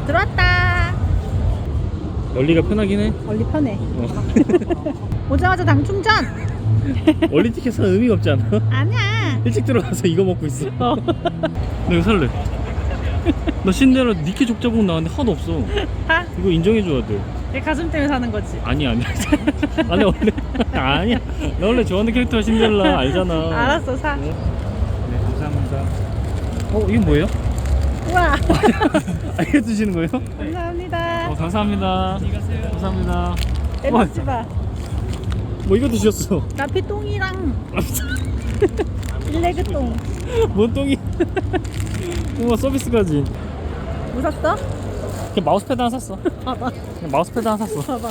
들어왔다. 원리가 편하긴 해. 원리 편해. 오자마자 당 충전. 원리 티켓은 의미가 없지 않아? 아니야. 일찍 들어가서 이거 먹고 있어. 나 이거 살래. 나 신데렐라 니케 족자복 나왔는데 하나도 없어. 하? 이거 인정해줘야 돼. 내 가슴 때문에 사는 거지. 아니야. 아니 원래 아니야. 나 원래 좋아하는 캐릭터가 신데렐라 알잖아. 알았어, 사. 네, 감사합니다. 이건 뭐예요? 우와. 알려주시는 거예요? 감사합니다. 감사합니다. 감사합니다. 때리지 마. 뭐 이것도 주셨어. 나피 똥이랑 일레그 똥. 뭔 똥이? 우와 서비스까지. 뭐 샀어? 그냥 마우스패드 하나 샀어. 봐봐. 그냥 마우스패드 하나 샀어. 봐봐.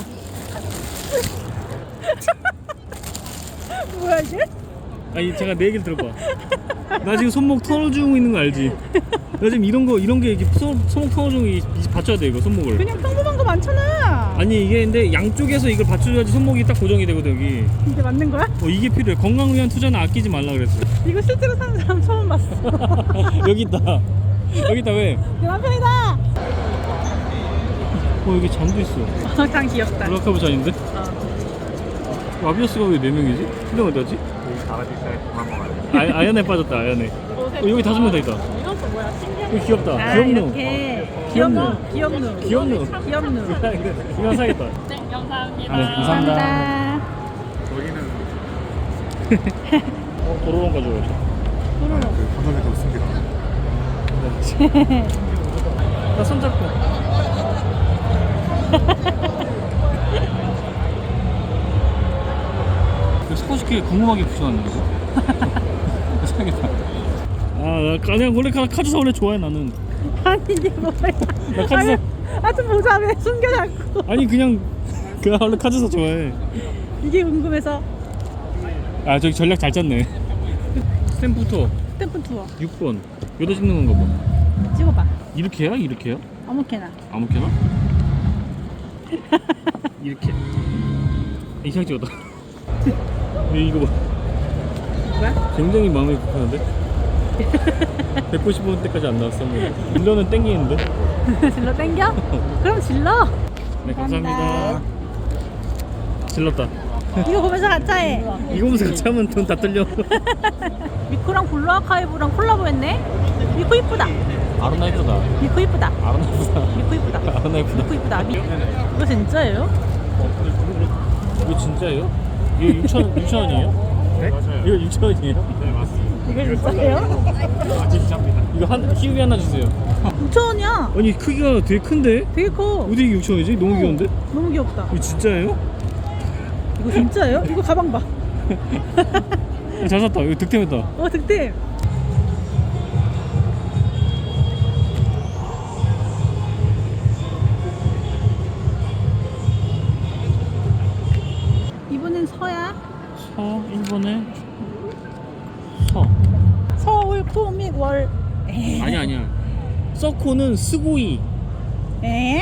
뭐야 이게? 아니 제가 내 얘기를 들어봐. 나 지금 손목 털어주고 있는 거 알지? 나 지금 이런 게 이렇게 손목 털어주고 이제 받쳐야 돼 이거 손목을. 그냥 평범한 거 많잖아. 아니 이게 근데 양쪽에서 이걸 받쳐줘야지 손목이 딱 고정이 되거든 여기. 이게 맞는 거야? 이게 필요해. 건강을 위한 투자는 아끼지 말라 그랬어. 이거 실제로 사는 사람 처음 봤어. 여기 있다. 여기 있다 왜? 내 남편이다. 여기 잔도 있어. 참 귀엽다. 블락하브 잔인데? 아비어스가 왜 4명이지? 근데 어디지? 아연에 빠졌다 아연에. 여기 5명 더 있다. 이것도 뭐야? 신기하다. 이거 귀엽다. 아, 귀엽노. 이렇게 귀엽노. 귀엽누. 귀엽노. 귀엽누. 이거 사겠다. 네, 감사합니다. 네, 감사합니다. 여기는 도로론 가져가야지. 도로로. 감사합니다. 없습니다. 나 손잡고. 스포츠키에 궁금하게 붙여놨네 이거. 사겠다. 나 그냥 원래 카즈사 원래 좋아해 나는. 아니 이게 뭐야? 나 카즈사. 좀 보자 왜 숨겨 자꾸. 아니 그냥 원래 카즈사 좋아해. 이게 궁금해서. 저기 전략 잘 짰네. 스탬프부터 스탬프 투어 6번. 여기다 찍는 건가 봐. 찍어봐. 이렇게 해야? 이렇게 해야? 아무렇게나. 아무렇게나? 이렇게. 이상 찍었다. 이거 봐. 뭐야? 굉장히 마음이 급하는데? 190원 때까지 안 나왔어. 밀러는 땡기는데? 질러 땡겨? 그럼 질러. 네, 감사합니다. 질렀다. 이거 보면서 가짜 해. 이거 보면서 같이 하면 돈 다 뚫려. 미코랑 블루 아카이브랑 콜라보했네. 미코 이쁘다. 아로나 이쁘다. 미코 이쁘다. 아로나 이쁘다. 미코 이쁘다. 아로나 이쁘다. 미코 이쁘다. 이거 진짜예요? 이거 진짜예요? 이거 6,000원이에요? 네? 맞아요. 이거 6,000원이에요? 네, 맞습니다. 이거 진짜예요? 진짜입니다. 이거 희우비 하나 주세요. 6,000원이야. 아니 크기가 되게 큰데? 되게 커. 어디 이게 6,000원이지? 너무 귀여운데? 너무 귀엽다. 이거 진짜예요? 이거 진짜예요? 이거 가방 봐. 잘 샀다. 이거 득템했다. 득템. 이번엔 서야. 1번에 서울 코믹 월. 아니야. 서코는 스고이. 에?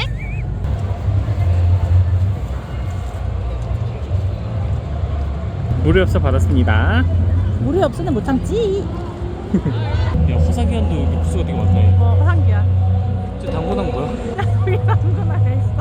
무료 협사 받았습니다. 물이 없으면 못 참지. 야 화사기한도 여기 부스가 되게 많다. 얘. 화상기야. 저 당구당 뭐야? 우리 아무거나 해 있어.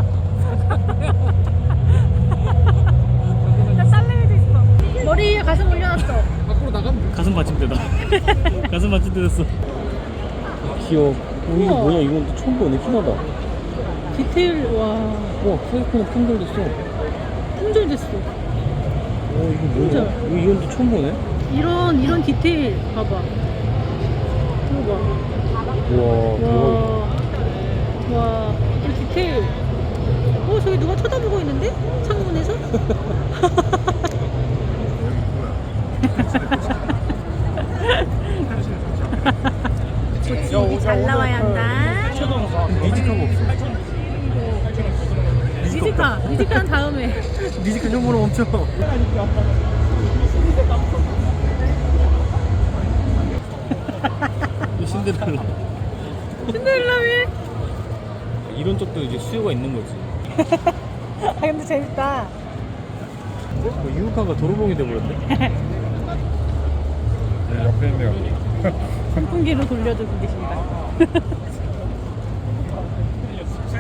나 딸내미도 있어. 머리 위에 가슴 올려놨어. 밖으로 나가면 가슴 받침대다. 가슴 받침대 됐어. 귀여워. 이거 우와. 뭐야? 이건 또 처음 보네. 희나다. 디테일 와 와 케이크는 품절됐어. 품절됐어. 이거 뭐야? 이건 또 처음 보네. 이런 디테일 봐봐. 이거 봐. 우와 와, 이 디테일. 저기 누가 쳐다보고 있는데? 창문에서? 고치기 잘 나와야 한다. 니지카가 없어. 니지카는 다음에. 니지카 좀 멈춰. 이 신데렐라. 신데렐라미. 이런 쪽도 이제 수요가 있는 거지. 근데 재밌다. 유우카가 도로봉이 돼버렸네. 네, 옆에 있네요. 선풍기로 돌려주고 계십니다.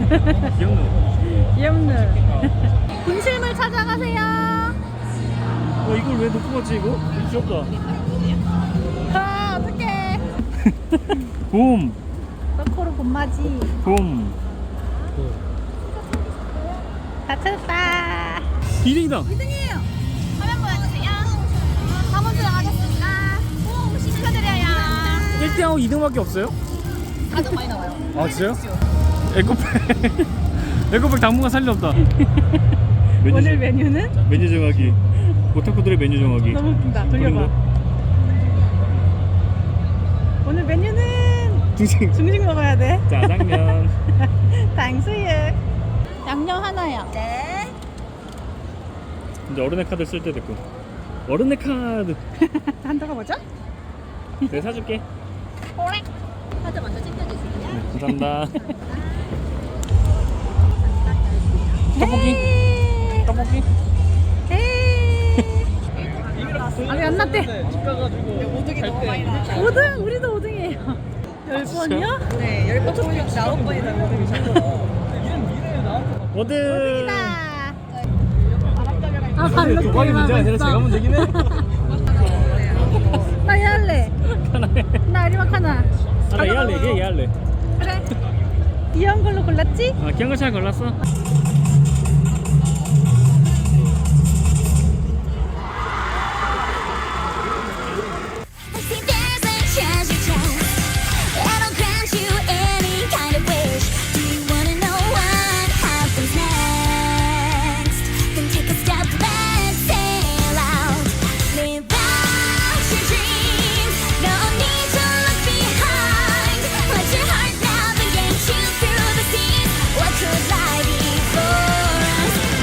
귀엽네. 귀엽네. 분실물 찾아가세요. 이걸 왜 놓고 갔지 이거? 귀엽다. 아, 어떡해. 봄. 서코로 봄맞이. 봄. 다 찾았다. 2등이다. 2등이에요. 화면 보여주세요. 3번 들어가겠습니다. 오, 축하드려요. 1등하고 2등밖에 없어요? 가격 많이 나와요. 아 진짜요? 에코백. 에코백 당분간 살 일 없다. 오늘 메뉴는? 메뉴 정하기. 오타쿠들의 메뉴 정하기. 너무 웃긴다. 돌려봐. 그런가? 오늘 메뉴는 중식. 중식 먹어야 돼. 짜장면. 탕수육. 양념 하나요. 네. 이제 어른의 카드 쓸 때 됐고. 어른의 카드. 한도가 뭐죠? 내가 사줄게. 오래. 카드 먼저 챙겨주세요. 감사합니다. 떡볶이. 떡볶이. 아니 안 났대. 집 가가지고 5등이 너무 많이 나. 5등 우리도 5등이에요. 10번이요? 네, 10번 중에 9번이다 5등이죠. 어든. 아 발로 도박이 문제가 아니라 제가 문제긴 해. 나 얘할래. 나 아리막 하나. 나 얘할래. 얘 할래. 그래. 귀여운 걸로 골랐지? 아 귀여운 거 잘 골랐어.